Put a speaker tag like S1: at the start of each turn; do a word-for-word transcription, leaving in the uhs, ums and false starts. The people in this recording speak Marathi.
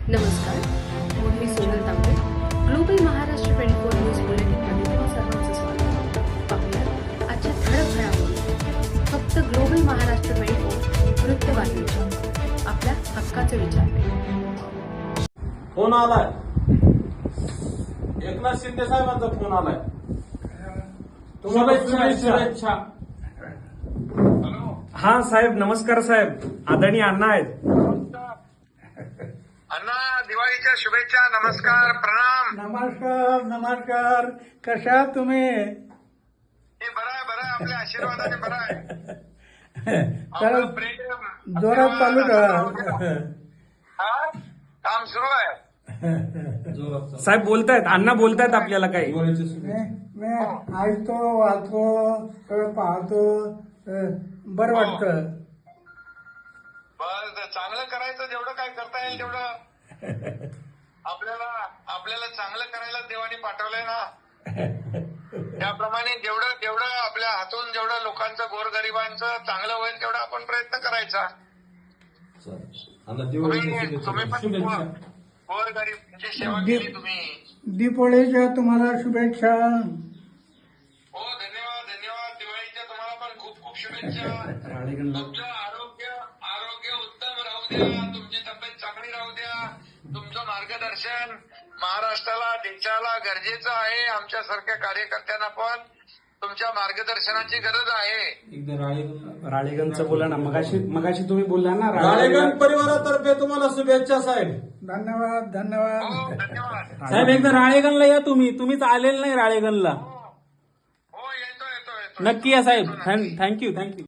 S1: नमस्कार, मी Sonal Tambe. Global Maharashtra twenty four news बुलेटिनमध्ये तुम्हा सर्वांचं स्वागत. पाहूया आजच्या ठळक घडामोडी. फक्त ग्लोबल महाराष्ट्र ट्वेंटी फोर वृत्तवाहिनीच्या आपल्या हक्काचे विचार.
S2: फोन आलाय, एकनाथ शिंदे साहेबांचा फोन आलाय.
S3: शुभेच्छा शुभेच्छा. हा साहेब, नमस्कार साहेब. आदरणीय अण्णा आहेत.
S4: अण्णा, दिवाळीच्या शुभेच्छा. नमस्कार, प्रणाम.
S5: नमस्कार नमस्कार. कशा तुम्ही?
S4: हे बरं आहे, बरं आहे. आपल्या आशीर्वादाने बरं आहे.
S5: तर
S4: आपलं प्रेम
S5: जोरात चालू ठेवा.
S4: हा? काम सुरू आहे.
S3: साहेब बोलतायत, अण्णा बोलतायत आपल्याला काही.
S5: मी मी ऐकतो, वाचतो, सगळं पाहतो. अं, बरं वाटतं.
S4: बरं, चांगलं करायचं. जेवढं काय करता येईल तेवढं आपल्याला आपल्याला चांगलं करायला देवाने पाठवलंय ना. त्याप्रमाणे जेवढं जेवढं आपल्या हातून जेवढं लोकांचं, गोरगरिबांचं चांगलं होईल तेवढा आपण प्रयत्न करायचा. तुम्ही तुम्ही पण गोरगरिबांची सेवा केली तुम्ही.
S5: दीपोळीच्या तुम्हाला शुभेच्छा.
S4: हो, धन्यवाद धन्यवाद. दिवाळीच्या तुम्हाला पण खूप खूप शुभेच्छा. तुमचं आरोग्य आरोग्य उत्तम राहू द्या. तुमची तब्येत चांगली राहू द्या. तुमचं मार्गदर्शन महाराष्ट्राला, देशाला गरजेचं आहे. आमच्यासारख्या कार्यकर्त्यांना पण तुमच्या मार्गदर्शनाची गरज आहे.
S3: राळेगणचं बोला ना. मगाशी मगाशी तुम्ही बोलला ना.
S2: राळेगण परिवारातर्फे तुम्हाला शुभेच्छा साहेब.
S5: धन्यवाद
S4: हो,
S5: धन्यवाद.
S4: धन्यवाद.
S3: साहेब एकदा राळेगणला या तुम्ही. तुम्हीच आलेलं नाही राळेगणला.
S4: हो, येतो येतो येतो.
S3: नक्की या साहेब. Thank you thank you.